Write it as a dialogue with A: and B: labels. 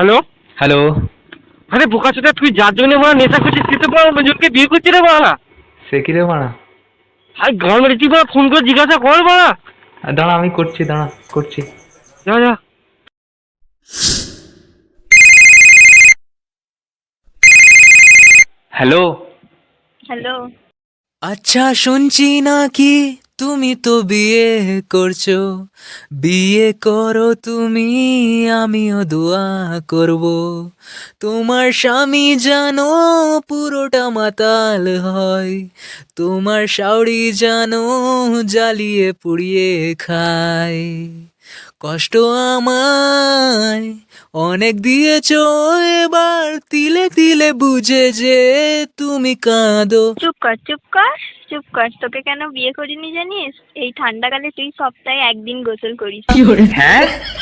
A: Hello.
B: Hello.
A: আরে বোকাচোদা, তুই যার জন্য মারা নেশা করছিস তুই তো বড় মঞ্জুরকে বিয়ে করছিস রে মারা।
B: সে কি রে মারা?
A: আর ঘর মেরে তুই বড় ফোন করে জিজ্ঞাসা কর মারা।
B: দাঁড়া, আমি করছি, দাঁড়া করছি।
A: যা যা।
B: হ্যালো।
C: হ্যালো।
D: আচ্ছা, শুনছি নাকি তুমি তো বিয়ে করছো। বিয়ে করো তুমি, আমিও দোয়া করব। তোমার স্বামী জানো পুরোটা মাতাল হয়। তোমার শাওড়ি জানো জ্বালিয়ে পুড়িয়ে খায়। কষ্ট আমায় অনেক দিয়েছো, এবার তিলে তিলে বুঝে যে তুমি কাঁদো।
C: চুপ কর চুপ কর চুপ কর। তোকে কেন বিয়ে করিনি জানিস? এই ঠান্ডাকালে তুই সপ্তাহে একদিন গোসল করিস।
B: হ্যাঁ?